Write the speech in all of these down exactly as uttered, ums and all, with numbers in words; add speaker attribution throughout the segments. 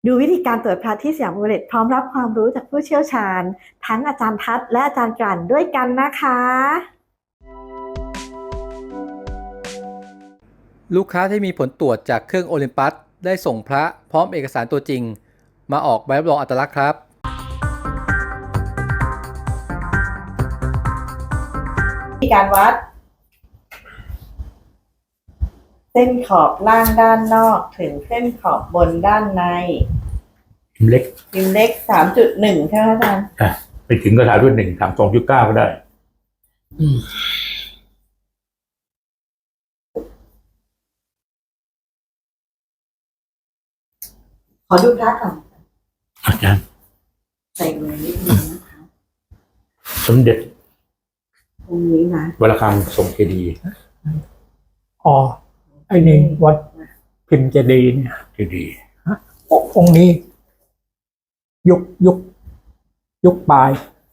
Speaker 1: ดูวิธีการตรวจพระที่สยามอุเรตพร้อมรับความรู้จากผู้เชี่ยวชาญทั้งอาจารย์ทัศน์และอาจารย์กลั่นด้วยกันนะคะ
Speaker 2: ลูกค้าที่มีผลตรวจจากเครื่องโอลิมปัสได้ส่งพระพร้อมเอกสารตัวจริงมาออกใบรับรองอัตลักษณ์ครับ
Speaker 1: วิธีการวัดเส้นขอบล่างด้านนอกถึงเส้นขอบบนด้านใน
Speaker 3: พิมพ์เล็ก
Speaker 1: พิมพ์เล็ก สามจุดหนึ่ง ใช่ไหมอาจารย์
Speaker 3: อ่ะไปถึงก็ถามด้วยหนึ่งถามสองจุดเก้าก็ได้
Speaker 1: ขอดูพระก่อน
Speaker 3: อาจารย์
Speaker 1: ใส่มือนิดนึงนะคะ
Speaker 3: สมเด็จ
Speaker 1: ตรงนี้นะ
Speaker 3: วัดระฆังทรงเจดีย์
Speaker 4: อ๋อไอ้นี่วัดพิมพ์เจดีย์เนี่ย
Speaker 3: เจดีย์
Speaker 4: องค์นี้ยุคยุคยุคปลาย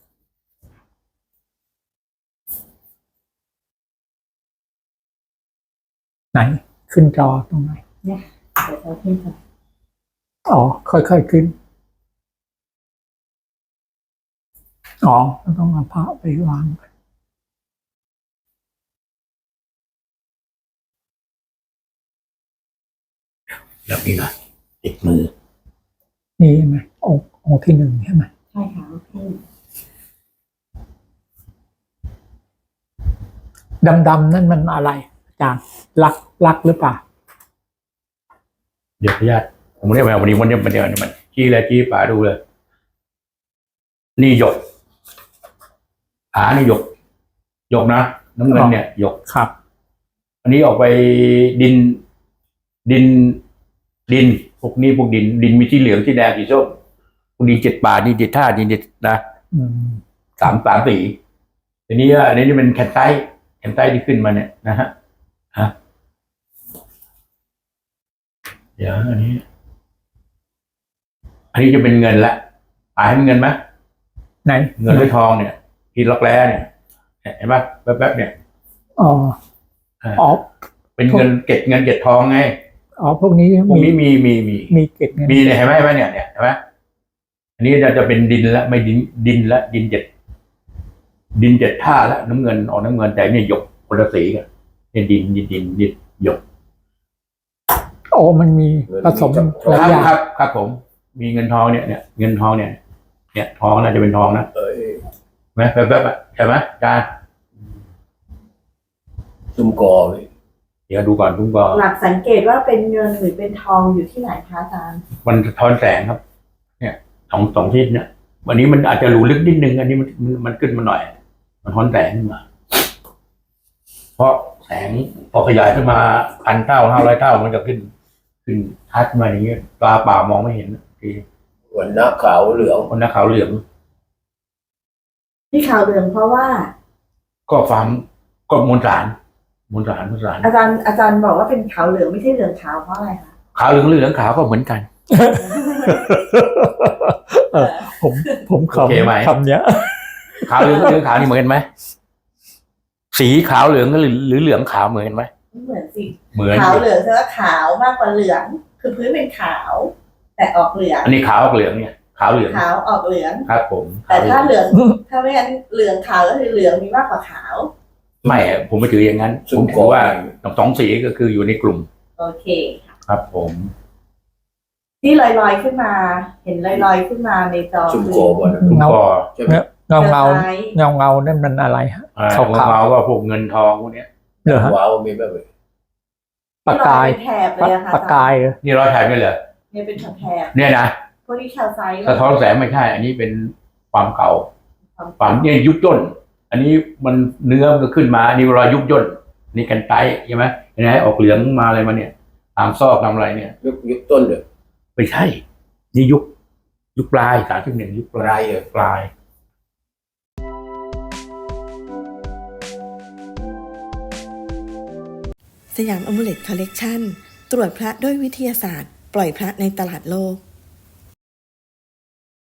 Speaker 4: ไหนขึ้นจอตรงไหน
Speaker 1: เนี่ยเดี๋ยวเราขึ้นก่อน
Speaker 4: อ๋อค่อยๆขึ้นอ๋อต้องเอาพระไปวาง
Speaker 3: แบบนี้นะติดมือ
Speaker 4: นี่ใช่ไหมองค์องค์ที่หนึ่งใช่ไหม
Speaker 1: ใช่ค่ะพี่
Speaker 4: ดำๆนั่นมันอะไรอาจารย์ลักลักหรือเปล่า
Speaker 3: เดี๋ยวพญาติผมเรียกมาวันนี้วันนี้มันเดียวนี่มันจี้เลยจี้ป่าดูเลยนี่หยกผานี่หยกหยกนะน้ำเงินเนี่ยหยก
Speaker 4: ครับ
Speaker 3: อันนี้ออกไปดินดินดินพวกนี้พวกดินดินมีที่เหลืองที่แดงที่ส้มพวกนี้เจ็ดป่านี่เจ็ดท่านี่เจ็ดนะสามสามสีทีนี้อันนี้จะเป็นแคนไตแคนไตที่ขึ้นมาเนี่ยนะฮะฮะเดี๋ยวอันนี้อันนี้จะเป็นเงินละอ่าให้เป็นเงินไหม
Speaker 4: ไหน
Speaker 3: เงินหรือทองเนี่ยที่ล็อกแร้เนี่ยเห็นปะแป๊บๆเนี่ย
Speaker 4: อ๋ออ๋อ
Speaker 3: เป็นเงินเก็บเงินเก็บทองไง
Speaker 4: อ๋อพวกนี้
Speaker 3: พวกนี้มีมีมี
Speaker 4: มีเก็บเงิน
Speaker 3: มีเนี่ยเห็นไหมไหมเนี่ยเนี่ยเห็นไหมอันนี้จะจะเป็นดินละไม่ดินดินละดินเจ็ดดินเจ็ดท่าละน้ำเงินออกน้ำเงินแต่เนี่ยหยกคนละสีกันเนี่ยดินดินดินดินหยก
Speaker 4: โอ้มันมีผสมหลายอย่าง
Speaker 3: ครับครับผมมีเงินทองเนี่ยเนี่ยเงินทองเนี่ยเนี่ยทองน่าจะเป็นทองนะเออไหมแป๊บๆใช่ไหมจานซุ้มกอเดี๋ยวดูก่อนซุ้มกอ
Speaker 1: หลักสังเกตว่าเป็นเงินหรือเป็นทองอยู่ที่ไหนคะอาจารย์
Speaker 3: มันทอนแสงครับเนี่ยสองสองทิศเนี่ยวันนี้มันอาจจะหลูลึกนิดนึงอันนี้มันมันขึ้นมาหน่อยมันทอนแสงขึ้นมาเพราะแสงพอขยายขึ้นมาพันเท่าห้าร้อยเท่ามันจะขึ้นขึ้นทัดมาอย่างเงี้ยตาเปล่ามองไม่เห็นที
Speaker 5: วันหน้าขาวเหลือง
Speaker 3: วันหน้าขาวเหลือง
Speaker 1: ที่ขาวเหลืองเพราะว่า
Speaker 3: ก็ฟาร์มก็มวลสารมวลสารมวลสาร
Speaker 1: อาจารย์อาจารย์บอกว่าเป็นขาวเหลืองไม่ใช่เหลืองขาวเพราะอะไรคะ
Speaker 3: ขาวเหลืองเหลืองขาวก็เหมือนกัน
Speaker 4: ผมผมคำคำเนี้ย
Speaker 3: ขาวเหลืองเหลืองขาวนี่เหมือนกันไหมสีขาวเหลืองหรือหรือเหลืองขาวเหมือนกันไหม
Speaker 1: เหมือนสิ
Speaker 3: เหมือน
Speaker 1: ขาวเหลืองแปลว่าขาวมากกว่าเหลืองคือพื้นเป็นขาวแต่ออกเหลือง
Speaker 3: อันนี้ขาวออกเหลืองเนี่ยขาวเหลือง
Speaker 1: ขาวออกเหลือง
Speaker 3: ครับผม
Speaker 1: แต่ถ้าเหลืองถ้าไม่งั้นเหลืองขาวก็คือเหลืองมีมากกว่าขาว
Speaker 3: ไม่ผมไม่ถืออย่างนั้นผมถือว่าสองสีก็คืออยู่ในกลุ่ม
Speaker 1: โอเค
Speaker 3: ครับผม
Speaker 1: ที่ลอยๆขึ้นมาเห็นลอยๆขึ้นมาในจอ
Speaker 5: ชุมโกบน
Speaker 3: ชุมโก
Speaker 4: เงาเงาเงาเงานั่นมันอะไรฮะ
Speaker 3: ขาวขาวก็พวกเงินทองพวกนี้
Speaker 4: เหรอฮะ
Speaker 5: ว้าวมีแบบเลย
Speaker 4: ปากกาย
Speaker 1: แถบเลยค่ะ
Speaker 4: ปากกาย
Speaker 3: นี่รอยแถบนี่เหรอ
Speaker 1: เนี่ยเป็นแถบ
Speaker 3: เนี่ยนะ
Speaker 1: พวกนี้แถวไซส์
Speaker 3: สะท้อนแสงไม่ใช่อันนี้เป็นความเก่าความเนี่ยยุบย่นอันนี้มันเนื้อมันก็ขึ้นมาอันนี้รอยยุบย่นนี่กันไตใช่ไหมเห็นไหมออกเหลืองมาอะไรมาเนี่ยตามซอกตามอะไรเนี่ย
Speaker 5: ยุคยุคต้นเด้อ
Speaker 3: ไม่ใช่นี่ยุคยุคปลายสามสิบหนึ่งยุคปลายเออปลาย
Speaker 1: สยามอมูเลตคอลเลกชันตรวจพระด้วยวิทยาศาสตร์ปล่อยพระในตลาดโลก